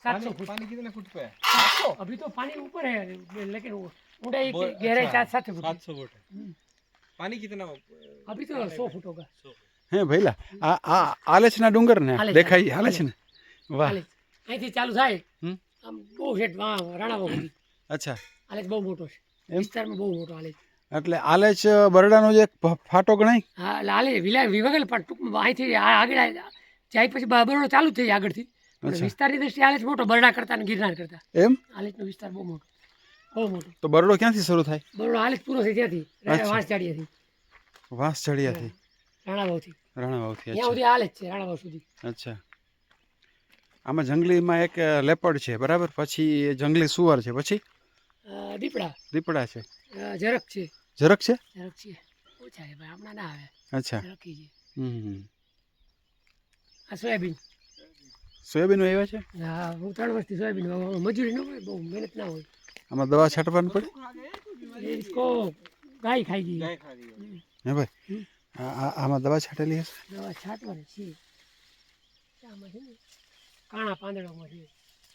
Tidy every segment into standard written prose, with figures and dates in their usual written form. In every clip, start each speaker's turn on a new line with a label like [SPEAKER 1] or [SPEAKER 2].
[SPEAKER 1] 700 foot.
[SPEAKER 2] पानी कितने foot पे है?
[SPEAKER 1] अभी तो पानी ऊपर है, लेकिन ऊंचाई की गहराई 700 फुट।
[SPEAKER 2] 700 फुट है। पानी कितना?
[SPEAKER 1] अभी तो 100 फुट होगा।
[SPEAKER 3] હે ભઈલા આ આલેચના ડુંગર ને
[SPEAKER 1] હાલે
[SPEAKER 3] દેખાય હાલે છે ને વાહ
[SPEAKER 1] હાલે અહીંથી ચાલુ થાય
[SPEAKER 3] હમ
[SPEAKER 1] આમ બહુ હેઠ રાણાવા સુધી
[SPEAKER 3] અચ્છા
[SPEAKER 1] હાલે બહુ મોટો છે, વિસ્તારમાં બહુ મોટો હાલે.
[SPEAKER 3] એટલે આલેચ બરડાનો જે એક ફાટો ગણાય.
[SPEAKER 1] હા એટલે હાલે વિભાગેલ પણ ટૂંકમાં અહીંથી આગળ જાય પછી બરોડો ચાલુ થઈ જાય આગળથી. પણ વિસ્તારની દ્રષ્ટિએ હાલેચ મોટો, બરડા કરતા ને ગિરનાર કરતા
[SPEAKER 3] એમ
[SPEAKER 1] હાલેચનો વિસ્તાર બહુ મોટો, બહુ મોટો.
[SPEAKER 3] તો બરડો ક્યાંથી શરૂ થાય?
[SPEAKER 1] બરોડો હાલેચ પૂરો થઈ ત્યાંથી વાંસજાડિયાથી,
[SPEAKER 3] વાંસજડિયાથી
[SPEAKER 1] રાણાવાવથી
[SPEAKER 3] રાણાવાવથી.
[SPEAKER 1] ત્યાં સુધી હાલેચ છે, રાણાવાવ સુધી.
[SPEAKER 3] અચ્છા આમાં જંગલીમાં એક લેપડ છે બરાબર, પછી જંગલી સુવર છે, પછી દીપડા છે,
[SPEAKER 1] ઝરખ છે,
[SPEAKER 3] ઝરખ છે
[SPEAKER 1] ઓછા છે ભાઈ, હમણાં ના આવે.
[SPEAKER 3] અચ્છા
[SPEAKER 1] ઝરખી છે. આ સોયાબીન
[SPEAKER 3] આવ્યા છે.
[SPEAKER 1] હા હું 3 વર્ષથી સોયાબીન વાવું. મજૂરી ન હોય, બહુ મહેનત ના હોય.
[SPEAKER 3] આમાં દવા છાંટવાની પડે?
[SPEAKER 1] इसको गाय खाएगी.
[SPEAKER 3] હે ભાઈ આમાં દવા છાંટેલી હશે?
[SPEAKER 1] દવા છાંટવાની છે, આમાં છે ને કાણા પાંદડામાં છે.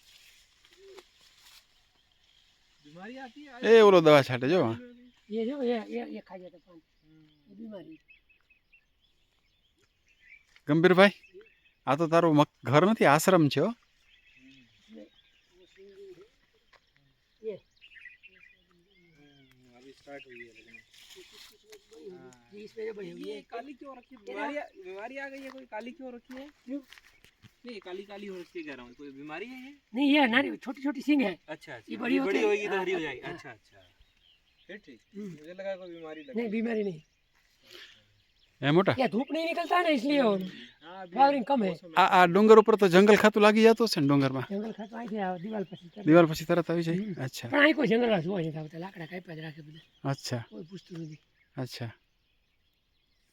[SPEAKER 2] बीमारी आती है?
[SPEAKER 3] એ ઓલો દવા છાંટે જો
[SPEAKER 1] ये जो ये खा जाता पान, ये बीमारी.
[SPEAKER 3] ગંભીરભાઈ આ તો તારું ઘર નથી, આશ્રમ છે હો.
[SPEAKER 1] ये
[SPEAKER 2] अभी स्टार्ट हुई है लेकिन
[SPEAKER 1] इसमें जो बड़ी हुई
[SPEAKER 2] ये
[SPEAKER 1] है
[SPEAKER 2] काली क्यों रखी है? बीमारी आ गई है? कोई काली क्यों रखी है?
[SPEAKER 1] क्यों?
[SPEAKER 2] नहीं काली काली हो रखी है कह रहा हूँ, कोई बीमारी है ये?
[SPEAKER 1] नहीं, ये नानी छोटी छोटी सींग है.
[SPEAKER 2] अच्छा अच्छा,
[SPEAKER 1] ये बड़ी होती है,
[SPEAKER 2] होगी तो
[SPEAKER 1] हाँ,
[SPEAKER 2] हरी हो
[SPEAKER 1] हाँ,
[SPEAKER 2] जाएगी.
[SPEAKER 1] हाँ.
[SPEAKER 2] अच्छा अच्छा फिर ठीक. मुझे लगा कोई बीमारी लगी.
[SPEAKER 1] नहीं बीमारी नहीं,
[SPEAKER 3] એ મોટા
[SPEAKER 1] ये धूप नहीं निकलता है ना इसलिए फ्लावरिंग कम है.
[SPEAKER 3] આ ડુંગર ઉપર તો જંગલ ખાતું લાગી જતું હશે ને ડુંગરમાં?
[SPEAKER 1] जंगल खातो आई थे दीवार पर
[SPEAKER 3] દિવાલ પછી તરત આવી જાય. અચ્છા
[SPEAKER 1] પણ અહીં કોઈ જંગલ જોવા નથી આવતા, લાકડા કાપ્યા જ રાખે બધા,
[SPEAKER 3] અચ્છા
[SPEAKER 1] કોઈ પૂછતું નથી.
[SPEAKER 3] અચ્છા